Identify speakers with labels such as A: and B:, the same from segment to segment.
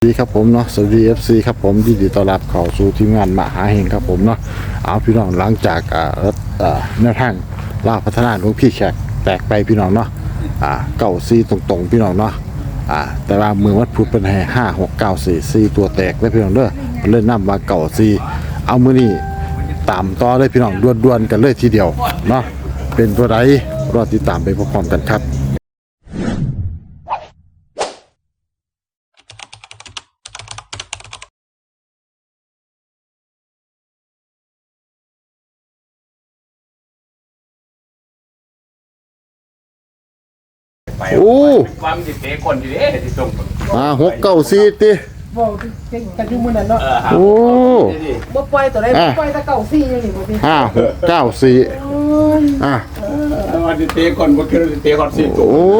A: ครับผมเนาะสวัสดี FC ครับผมยินดีต้อนรับเข้าสู่ทีมงานมหาเฮงครับผมเนาะเอาพี่น้องหลังจากแนวทางลาพัฒนาหลวงพี่แขกแตกไปพี่น้องเนาะเก้าซีตรงๆพี่น้องเนาะแต่ว่ามือวัดพุธเป็นให้5694ตัวแตกได้พี่น้องเด้อเล่นน้ำมาเก่าซีเอามือนี่ตามต่อได้พี่น้องดวนๆกันเลยทีเดียวเนาะเป็นตัวใดรอติดตามไปพร้อมๆกันครับโอ้
B: ความจิตเตะคนอยู่ดิที่ส่ง
A: 694ติ
C: บอกกันอยู่มื้อนั้นเนาะ
A: โอ้
C: บ่ปล่อยตัวใดบ่ปล่อยแต่เก่าซี่อยู่นี่บ่พี่
A: 5694
B: วันจิตเตะคนบ่คิดว่าจิตเตะคน4ตัว
A: โอ้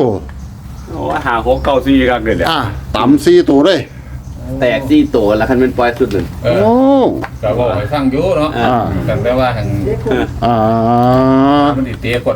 B: 5694ครับเลยแหละ
A: ต่ำ4ตัวเลย
D: แตก4ตัวแล้วคันเป็นปล่อยสุดหนึ่ง
A: โอ้
B: ก็บอกให้ฟังอยู่เนาะกันแปลว่าหังมันจิตเตะคน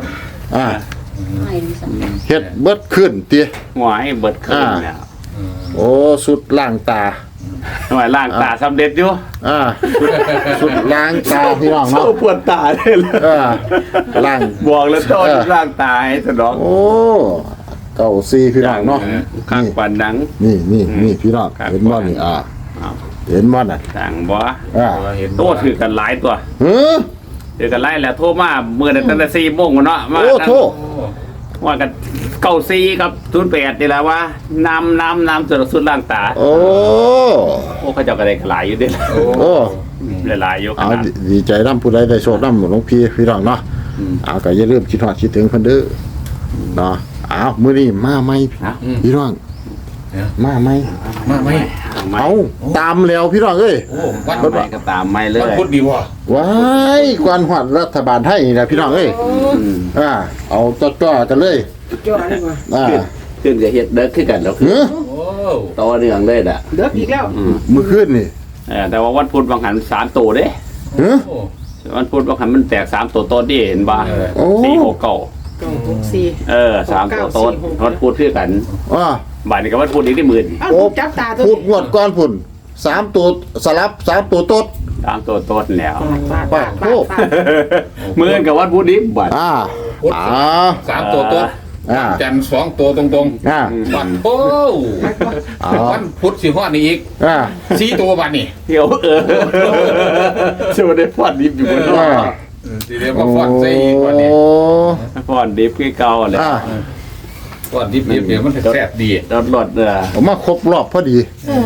A: เฮ็ดเบิดขึ้นติ
D: หัวให้เบิดขึ้นเนี่ย
A: โอ้สุดล้างตา
D: หน่วยล้างตาสำเร็จอยู่
A: สุดล้างตาพี่น้องเนาะ
D: ปวดตาเลย
A: ล้าง
D: บอกแล้วต้นล้างตาให้สนอง
A: โอ้เก่าซีพี่น้องเนาะ
D: ข้างปันดัง
A: นี่พี่น้องเห็นบ่นี่เห็นบ่น่ะ
D: ต่างบ่โตถือกันหลายตัวถือกันหลายแล้วโทรมามื้อนั้นตั้งแต่4 โมงเนาะมา
A: โทร
D: ว่ากัน94กับ08นี่แหละว่าน้ำสุดล้างตา
A: โอ้
D: เขาเจ้าก็ได้หลายอยู่ดิ
A: โอ้
D: หลายอยู่ขนาด
A: ดีใจนำผู้ใดได้โชคนำหลวงพี่น้องเนาะก็อย่าลืมคิดฮอดคิดถึงเพิ่นเด้อเนาะมื้อนี้มาใหม่พี่น้องมาใหม่เอาตามแล้วพี่น้องเอ้ย
D: วันใหม่ก็ตามใหม่เลย
B: พูดดีบ่
A: ว้ายก่อนฮอดรัฐบาลไทยนี่นะพี่น้องเอ้ยเอาจ่อๆกันเลย
C: จ่อนี่ว่า
D: ขึ้นจะเฮ็ดเด้อคือกันแล้วคือต่อเนื่องเลยน่ะ
C: เด้ออีกแล้ว
A: มื้อคืนนี่
D: แต่ว่าวันพุธบางหัน3ตัวเด้วันพุธบางหันมันแตก3ตัวต้นดิเห็นบ่469 3ตัวต้นวันพุธคือกันบ่ายนี้ก็วันพุธอีกได้10,000
C: โอ้จับตาตัว
A: พุธงวดก่อนพุ่น3ตัวสลับ3ตัวต้น
D: 3ตัวต้นแล้ว
A: ปากโค
D: มื้อกับวันพุธนี้บัด
B: 3ตัวต้นจันทร์2ตัวตรงๆวันโป้วันพุธสิฮอดนี่อีก4ตัวบัดนี้
D: เดี๋ยวสิบ่ได้ฟอดดิบอยู่บนเนาะ
B: สิได้มาฟอดใส่อีกวันนี้
D: ฟอดดิบคือเก่าแหละ
B: ฟอดดิบเดี๋ยวมันแซ่บดี
D: รส
A: ผมมาครบรอบพอดี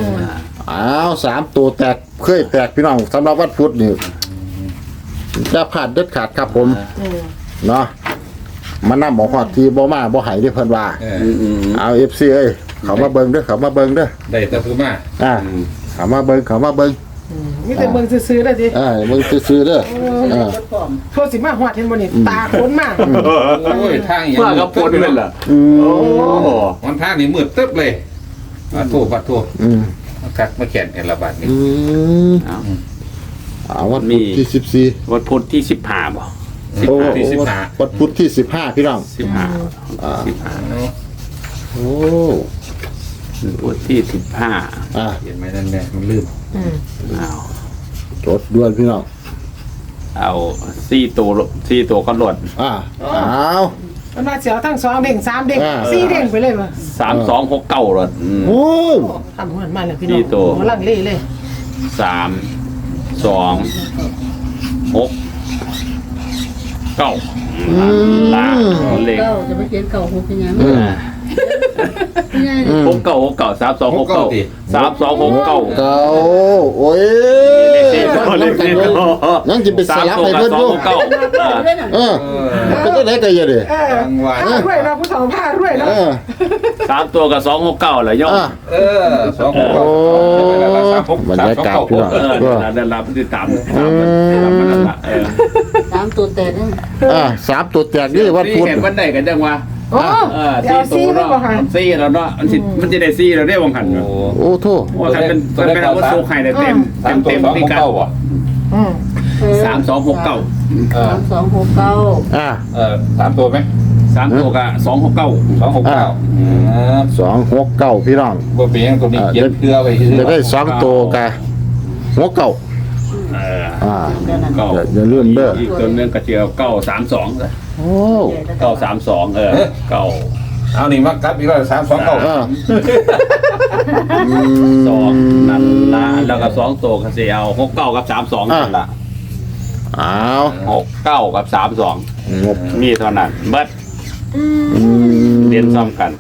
A: 3ตัวแตกเคยแตกพี่น้องสำหรับวันพุธนี่จะผ่านเด็ดขาดครับผมเนาะมานำหมอฮอดที่บ่มาบ่ให้ได้เพิ่นว่าเอา FC เอ้ยเขามาเบิ่งเด้อ
B: ได้แต่ผู้มา
A: เขามาเบิ่ง
C: มีแต่เบิ่งซื่อๆได้ดิ
A: เบิ่งซื่อๆเด้อ
C: โทรสิมาฮอดเห็นบ่นี่ตาคนมา
B: โอ้ยทางอย่าง
D: ว่ากับคนเป็นล่ะ
B: โอ้มันทางนี่มืดตึ๊บเลยปัดโทกักมาแข่งกันละบาดนี้
A: วันพุธที่14
D: วันพุธที่15บ่
A: วันพุธที่15พี่น้อง
D: 15
A: โอ้
D: พุธที่
B: 15เห็นไหมนั่นแหละมันลื่น
A: จดด่วนพี่น้อง
D: เอา4ตัวก็หล่น
C: มันมาเสียวทั้ง2เด้ง3เด้ง4เด้งไปเลยว่ะ
D: 3269หล่น
A: โอ้
C: ทำมันมาแล้วพี่น้องลังเลเลย
D: 3 2 6 9เลข
E: จะไปเขียน6เป็นยัง
D: 6
A: โอ้ยนั่งจะไปสลับให้เพื่อนดูก็ได้กันเยอะเลย
C: รวยนะผู้สาวผ้ารวยนะ
D: 3ตัวกับ269เลยย่อ
A: บรรยากาศพี่น้อง
D: ได้รับติดตาม
E: 3ตัวแตก
A: 3ตัวแตกนี่วันพุธ
D: วันใดกันจังวะ
C: 4ตัวเนาะ
D: 4แล้วเนาะมันจะได้4แล้วได้วงหัน
A: โอ้โธ่
D: ว่าคันเป็นอาวุธโซไข่ได้เต็มที่กัน3269
E: 3269
B: 3ตัวไหม
D: 3ตัวก็269
A: 269พี่น้อง
B: บ่เป็นหยังตัวนี้เขียนเกลือไว้ซื่อ
A: จะได้2ตัวกัน69อ่า
D: เก้า
A: อย่าลืมเด้อ
D: อีกตัวนึงก็เจียว932
A: โอ้
D: 932เก้า
B: เอานี่มากัดอีกแล้ว329
D: สองนั่นละแล้วก็2ตัวก็สิเอา69กับ32นั่นละ
A: อ้าว
D: 69กับ32
A: งบ
D: มีเท่านั้นเบิดเรียนซ้ำกัน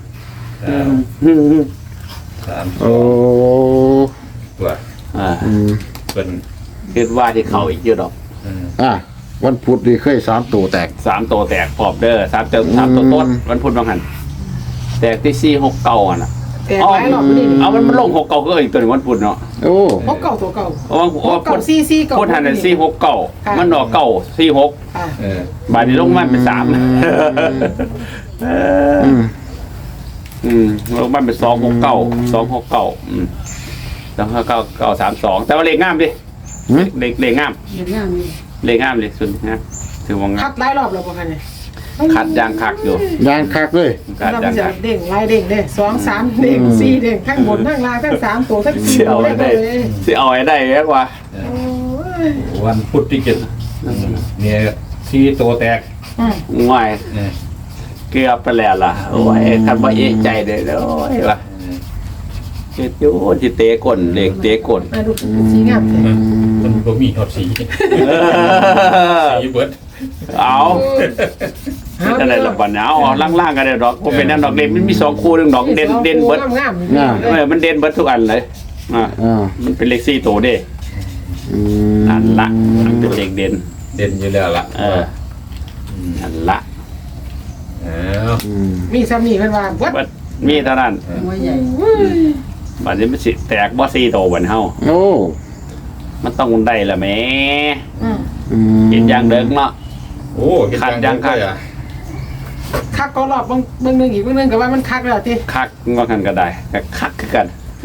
A: โอ้
B: ตัว เป็น
D: คิดว่าที่เขาอีกเยอะดอก
A: วันพุธนี่เคย3ตัวแตก
D: 3ตัวแตกพอบเด้อ3ตัวต้นวันพุธบางหันแตกที่469น่ะ
C: แต่หลายรอบนี่
D: เอามันลง69ก็อีกตัวนึงวันพุธเนาะ
A: โอ้
C: พบเก่าตัวเก่า
D: ว่าพุธ
C: ซีเก่า
D: พุธหันน่ะ469มันดอก946
C: ค่ะ
D: บาดนี้ลงมาเป็น3ลงมาเป็น269แล้วก็932แต่ว่าเลขงามดิเลขงาม
E: เห็นงามนี่
D: เลขงามเลยสุดนะถือว่างา
C: คั
D: ม
C: ดหลายรอบแล้วบ่คะเนี่ย
D: ขัดยางคักอยู่
A: ยางคักเลย
D: ขัด
C: เรา
D: ยาง
C: จะ
D: คัก
C: เด้งลายเด้งเด้2 3เด้ง4เด้งทั้งบนทั้งล่างทั้ง3ตัวทั้ง4
D: สิเอา
C: ตัว
D: ให้ได้
C: เลย
D: สิเอาให้ได้แค่ว่า
C: โอ้ย
B: วันพุธที่7เนี่ย4ตัวแตก
D: ง่ายเกือบไปแล้วล่ะโอ้ยคันบ่เอะใจเด้อโอ้ยว่ะเฮ็ดอยู่สิเตะก้นเลขเตะก้น
C: มาดูสีงามแท้
B: มันบ่มีฮอดสีสีเบิด
D: เอาจะได้ละบัดเอาล่างๆกันได้ดอกบ่เป็นนั่นดอกเด่นมันมี2คู่นึงดอกเด่นเบิด
C: งามๆ
D: มันเด่นเบิดทุกอันเลยมันเป็นเลข4ตัวเด้นั่นละมันเป็นเลขเด่น
B: เด่นอยู่แล้วล่ะ
D: นั่นละ
C: มีซ้ำนี่เพิ่นว่าเบิด
D: เบิดมีเท่านั้น
E: หัวใหญ่
D: บัดนี้มันสิแตกบ่4ตัวบัดเฮา
A: โอ้
D: มันต้องได้ละแหม่
C: อืม
D: เห็นอย่างเดิมเนาะ
B: โอ้เห็นยังคักอ่ะ
C: คักก็รอบเบิ่งนึงอีกเบิ่งนึงก็ว่ามันคักแล้วติ
D: คักว่ากันก็ได้ก็คักคือกัน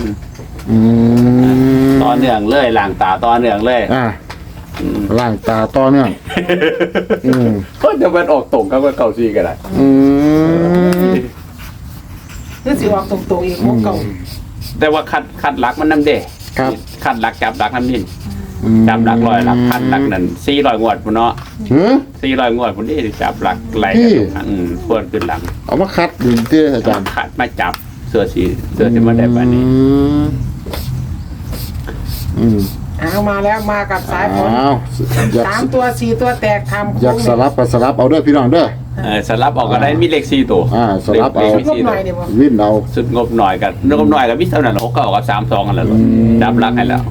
A: ม
D: ต่อเนื่องเลยล้างตาต่อเนื่องเลย
A: ล่างตาต่อเนื่อง
D: ก็จะมันออกตรงกับเก่าซีก็ได้
C: คือสิออกตรงๆอีกของเก่า
D: แต่ว่าคัดหลักมันนำเด้
A: ครับ
D: คัดหลักจับหลักนำนี่จับหลักร้อยหลักพันหลักนั่น400งวดพุ่นเนาะ400งวดพุ่นนี่จับหลักไหลกันควรขึ้นหลัง
A: เอามาคัดดูที่อาจารย์
D: คัดมาจับเสื้อที่มันได้ปานนี้
C: เอามาแล้วมากับสายฝน
A: อ้าวอยาก
C: 3ตัว4ตัวแตกทำ
A: อยากสลับก็สลับเอาเด้อพี่น้องเด้อ
D: สลับออกก็ได้มีเลข4ตัว
A: สลับเอา
C: งบหน่อยเดี๋ยวบ่
A: วิ่นเอา
D: สุดงบหน่อยกันงบหน่อยกับมิเท่านั้น6 9กับ32กันแล้วจับหลักให้แล้ว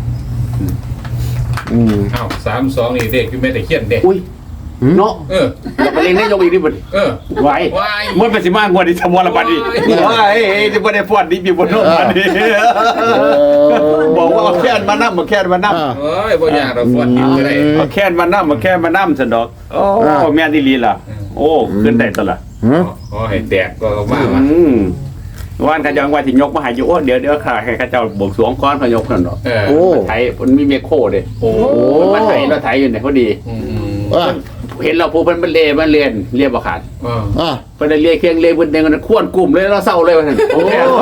B: อ้าว32นี่เด็กอยู่แม่แต่เขียนเด็ก
D: อุ้ยเนาะไปเล่นได้ยกอีกนิดบ่ไว้มันเป็นสิมากกว่าที่ทำวันละบัดนี้ว้ายที่บ่ได้ฟอดนี่มีบ่โนบัดนี้บอกว่าเอาแค่นมานำมาแค่นมานำ
B: เอ้ยบ่ยากเราฟอดกินก็ได้
D: เอาแค่นมานำมาแค่นมานำซั่นดอกโอ้แม่นอีหลีล่ะโอ้ขึ้นได้ตะล่ะ
B: ขอให้แตกก็มา
D: วันขยังว่าสิยกมาให้อยู่โอ้เดี๋ยวค่ะให้ข้าเจ้าบวงสรวงก่อนพยกนั่นดอก
A: โอ้
D: ไถมันมีเมโคเด้
B: โอ้
D: มันไถแล้วไถอยู่เนี่ยพอดีเห็นเราผู้มันเรียบ่ขาด เพิ่นได้เรียกเครื่องเรียกเพิ่นเด้งกันควรกลุ่มเลยเราเศร้าเลยว่าซั่นโอ้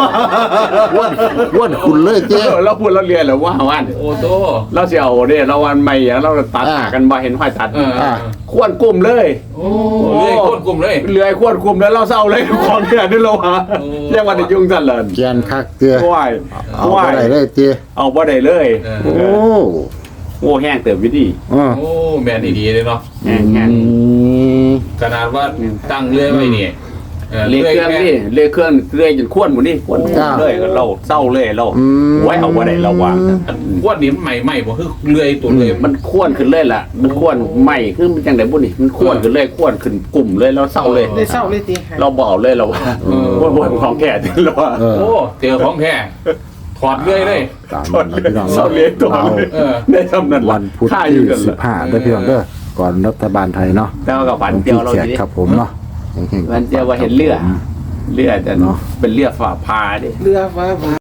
A: ว้วนคุณเลยเจ้
D: เราพูดเราเรียนแล้วว่าวัน
B: โอ้โต
D: เราสิเอาเด้เราวันใหม่เราตัดหากันบ่เห็นห้อยตัดควรกลุ่มเลย
B: โอ้เลยโคตรกลุ่มเลย
D: เลื่อยควรกลุ่มแล้วเราเศร้าเลยของเนี่ยนี่เราหาเรียกว่าได้ยุ่งซั่นเลย
A: แกนคักเจ้
D: ว้าย
A: เอาบ่ได้เลยเจ้
D: เอาบ่ได้เลย
A: โอ้
D: โอ้แห้งเติบวิธี
B: โอ้แม่นดีเลยเนาะ
D: แห้ง
B: ขนาดว่าตั้งเรื่อยไว้นี่
D: เรียกเครื่องนี่เรียกเครื่องเรื่อยจนควรหมดนี่ควรเลยเราเศร้าเลยเราไว้เอาบ่ได้เราวาง
B: ว่านี่ใหม่บ่คือเรื่อยตัวเลย
D: มันควรขึ้นเลยล่ะมันควรใหม่ขึ้นมันจังได๋บุนี่มันควรขึ้นเลยควรขึ้นกลุ่มเลยเราเศร้าเลย
C: ได้เศร้าเลยติ
D: เราบ่เอาเลยเราว่าบ่ของแท้เราว่า
B: โอ้เจอของแท้ถอดเรื่อยเลย
A: ตามนั้นนะพี่น้อง
D: เศร้าเลยตัวได้ทำนั้น
A: วันพุธที่15เด้อพี่น้องเด้อก่อนรัฐบาลไทยเนาะ
D: แต่ว่ากับฝันเดียวเรา
A: แขก
D: ดิ
A: ครับผมเนาะ
D: วันเดียวว่าเห็นเลือดจะเป็นเลือดฝ่าพาดิ
C: เรือฟ้า